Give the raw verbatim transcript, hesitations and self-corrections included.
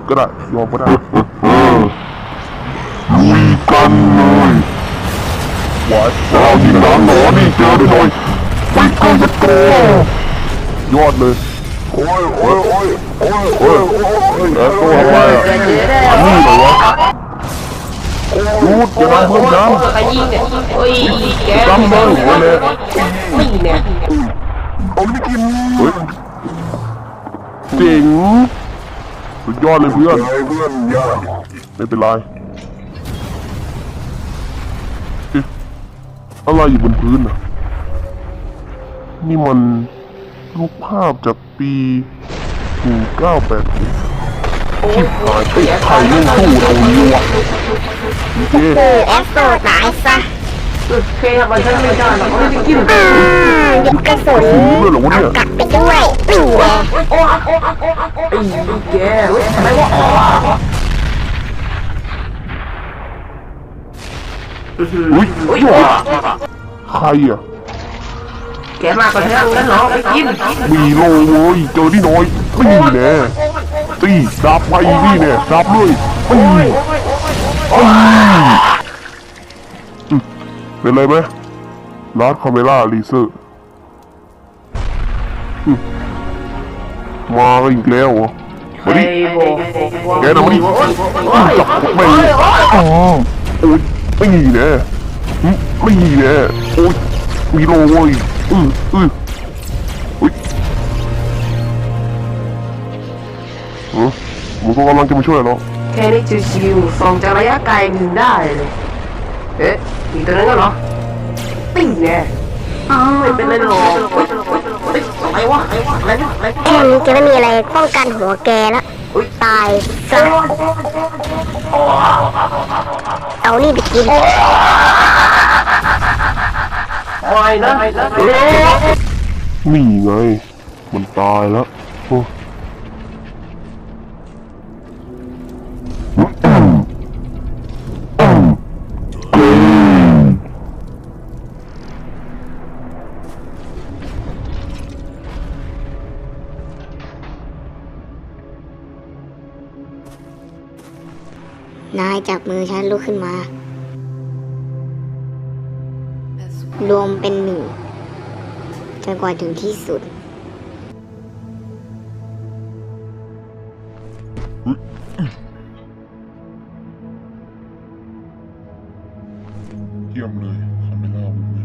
ก็ได้ยอมก็ได้ลุยกันเลยวัดเราที่หลังหนอนี่เจอได้เลยไปกันสักตัวยอดเลยโอ้ยโอ้ยโอ้ยโอ้ยโอ้ยโอ้ยแล้วตัวอะไรอ่ะอันนี้เหรอวะรูดอย่าทำเพิ่มน้ำใครยิงเนี่ยโอ้ยแกจำเลยหัวเลยไม่เนี่ยผมไม่กินเฮ้ยเจ๋งสุดยอดเลยเพื่อนเพื่อนยากไม่เป็นไรอะไรอยู่บนพื้นอ่ะนี่มันรูปภาพจากปีหนึ่งเก้าแปดชิบหายไปไข่เล่นสู้ตรงนี้วะโอเคเออแอสโซตายซะเคยทำมันฉันไม่ได้หรอกไม่กินอืมหยิบกระสุนด้วยเหรอวะเนี่ยกลับไปด้วยนี่ไงไอ้แกอะไรวะอุ้ยใครอ่ะแกมากกว่าฉันแล้วเหรอไม่กินมีโลเว้ยเจอที่น้อยนี่แน่ตีดับไปนี่แน่ดับเลยตีตีเป็นไรไหมลาดคาเมล่าลีเซอร์มาอีกแล้วเหรอมาดิแกนะมาดิจับไม่อ๋อโอ้ยไม่หีแน่ไม่หีแน่โอ้ยมีโลเว้ยอืออืออุ้ยเออมึงก็กำลังจะมาช่วยเหรอแค่นี้ชิวๆส่องจากระยะไกลยิงได้เลยเอ๊ะอีกตัวนึงก็เหรอปิ้งเนี่ยไม่เป็นไรหรอกอะไรวะอะไรวะอะไรวะอะไรแค่นี้จะไม่มีอะไรป้องกันหัวแกแล้วตายซะเอานี่ไปกินไม่นะนี่ไงมันตายแล้วโอ้นายจับมือฉันลุกขึ้นมา รวมเป็นหนึ่งจนกว่าถึงที่สุดเยี่ยมเลยคาเมล่า